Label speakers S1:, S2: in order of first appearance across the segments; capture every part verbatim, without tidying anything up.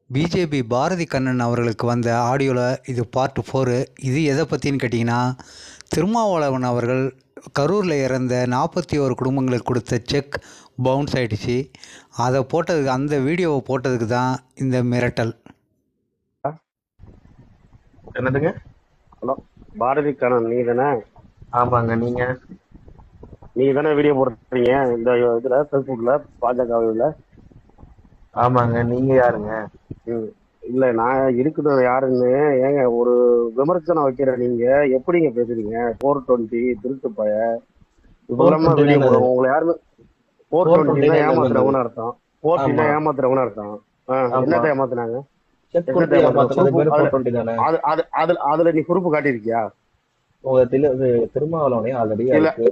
S1: BJP Bharathi Kannan அவர்களுக்கு வந்த ஆடியோவில் இது பார்ட் ஃபோரு. இது எதை பற்றின்னு கேட்டிங்கன்னா, திருமாவளவன் அவர்கள் கரூரில் இறந்த நாற்பத்தி ஒரு குடும்பங்களுக்கு கொடுத்த செக் பவுன்ஸ் ஆகிடுச்சு. அதை போட்டதுக்கு, அந்த வீடியோவை போட்டதுக்கு தான் இந்த மிரட்டல்.
S2: என்னதுங்க?
S3: ஹலோ, பாரதி கண்ணன் நீ தானே?
S2: ஆமாங்க. நீங்க
S3: நீ தானே வீடியோ போடுறீங்க இந்த இதுல ஃபேஸ்புக்ல பாஜகவில்?
S2: ஆமாங்க. நீங்க யாருங்க?
S3: ம் இல்லை, நான் இருக்கிறது யாருன்னு ஏங்க ஒரு விமர்சனம் வைக்கிற நீங்க எப்படிங்க பேசுறீங்க? ஃபோர் டுவெண்ட்டி திருட்டு பய இப்பெல்லாமா வீடியோ போடுவோம். உங்களை யாருன்னு ஃபோர் டுவெண்ட்டினா ஏமாத்துறவங்கன்னு அர்த்தம். ஃபோர் டுவெண்ட்டினா ஏமாத்துறவங்கன்னு அர்த்தம். என்னத்தை ஏமாத்துனாங்க? அதுல நீ குறிப்பு காட்டியிருக்கியா?
S2: திருமாவளவனே ஆல்ரெடி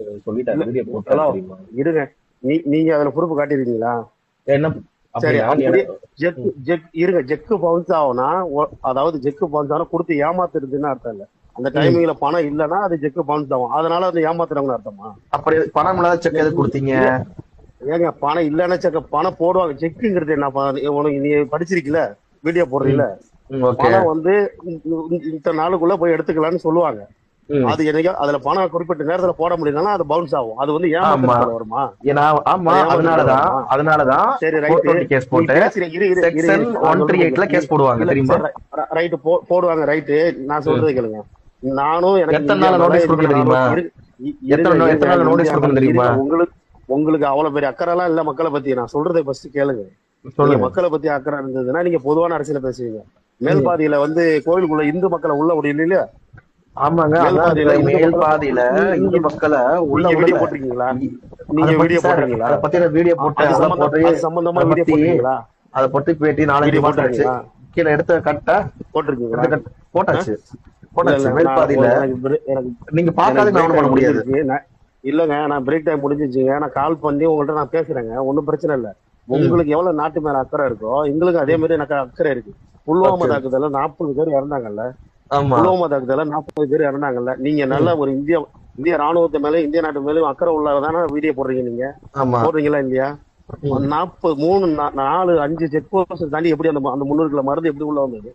S3: இருங்க, நீ நீங்க அதுல பொறுப்பு காட்டிருக்கீங்களா?
S2: என்ன?
S3: சரி, இருங்க. ஜெக்கு பவுன்ஸ் ஆகும்னா, அதாவது ஜெக்கு பவுன்ஸ் ஆனா கொடுத்து ஏமாத்துறதுன்னு அர்த்தம் இல்ல. அந்த டைமிங்ல பணம் இல்லைன்னா அது ஜெக்கு பவுன்ஸ் ஆகும். அதனால அது ஏமாத்துறவங்க அர்த்தமா?
S2: அப்படி பணம் இல்லாத செக் எது கொடுத்தீங்க?
S3: ஏங்க, பணம் இல்லைன்னா செக்க பணம் போடுவாங்க. செக்குங்கிறது என்ன? உனக்கு நீ படிச்சிருக்கீல, வீடியோ போடுறீல, பணம் வந்து இத்தனை நாளுக்குள்ள போய் எடுத்துக்கலாம்னு சொல்லுவாங்க. அது என்னைக்கோ அதுல பணம் குறிப்பிட்ட நேரத்துல போட முடியலன்னா அது பவுன்ஸ் ஆகும். அது வந்து ஏமாத்துறதுல வருமா?
S2: அதனாலதான் அதனாலதான்
S3: சரி, ரைட்
S2: கேஸ் போட்டு செக்ஷன் ஒன் த்ரீ எயிட்ல கேஸ் போடுவாங்க தெரியுமா?
S3: ரைட், போடுவாங்க. ரைட்டு, நான் சொல்றது கேளுங்க. நானும் எனக்கு
S2: எத்தனை நாள் நோட்டீஸ் கொடுக்க தெரியுமா? எத்தனை நாள் நோட்டீஸ் கொடுக்க தெரியுமா?
S3: உங்களுக்கு உங்களுக்கு அவ்வளவு பெரிய அக்கறை எல்லாம் இல்ல மக்களை பத்தி. நான் சொல்றதை ஃபர்ஸ்ட் கேளுங்க. மக்களை பத்தி அக்கறை இருந்ததுன்னா நீங்க பொதுவான அரசியல பேசுவீங்க. மேல்பாதியில வந்து கோயிலுக்குள்ள இந்து மக்களை உள்ள முடியல இல்லையா?
S2: ஆமாங்க. மேல் பாதியில இந்து மக்களை உள்ள வீடியோ போட்டிருக்கீங்களா? நீங்க வீடியோ போட்டிருக்கீங்களா? அதை பத்தி வீடியோ போட்டு
S3: சம்பந்தமா வீடியோ போட்டிருக்கீங்களா?
S2: அதை பத்தி பேட்டி நாலஞ்சு மாட்டாச்சு கீழே எடுத்த கட்ட போட்டிருக்கீங்களா? போட்டாச்சு போட்டாச்சு. மேல் பாதியில நீங்க பார்க்காத பண்ண முடியாது.
S3: இல்லங்க, நான் பிரேக் டைம் முடிஞ்சிச்சுங்க. நான் கால் பண்ணி உங்கள்கிட்ட நான் பேசுறேங்க. ஒன்னும் பிரச்சனை இல்லை. உங்களுக்கு எவ்வளவு நாட்டு மேல அக்கறை இருக்கோ எங்களுக்கு அதே மாதிரி எனக்கு அக்கறை இருக்கு. புல்வாமா தாக்குதல நாற்பது பேர் இறந்தாங்கல்ல, புல்வாமா தாக்குதல நாற்பது பேர் இறந்தாங்கல்ல. நீங்க நல்ல ஒரு இந்திய இந்திய ராணுவத்தை மேல இந்திய நாட்டு மேலும் அக்கறை உள்ளதான வீடியோ போடுறீங்க. நீங்க போடுறீங்களா இல்லையா? நாற்பது மூணு நாலு அஞ்சு செக் போஸ்ட் தாண்டி எப்படி அந்த அந்த முன்னூறு கிலோ மருந்து எப்படி உள்ள வந்தது?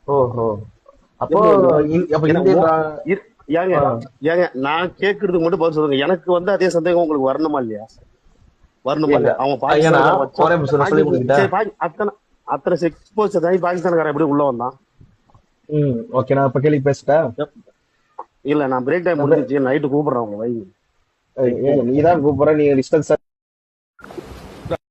S3: ஏங்க ஏங்க நான் கேட்கறதுக்கு மட்டும் பதில் சொல்லுங்க. எனக்கு வந்து அதே சந்தேகம் உங்களுக்கு வரணுமா இல்லையா? வரணுமா இல்லையா? அவன் அத்தனை அத்தனை செக் போஸ்ட் தாண்டி பாகிஸ்தான்காரன் எப்படி உள்ள வந்தான்?
S2: ஓகே, நான் இப்ப கேள்வி பேசிட்டேன்.
S3: இல்ல, நான் பிரேக் டைம் முடிஞ்சிச்சு. நைட்டு கூப்பிடுறேன் உங்க வைங்க.
S2: நீதான் கூப்பிடுற. நீங்க டிஸ்டன்ஸ்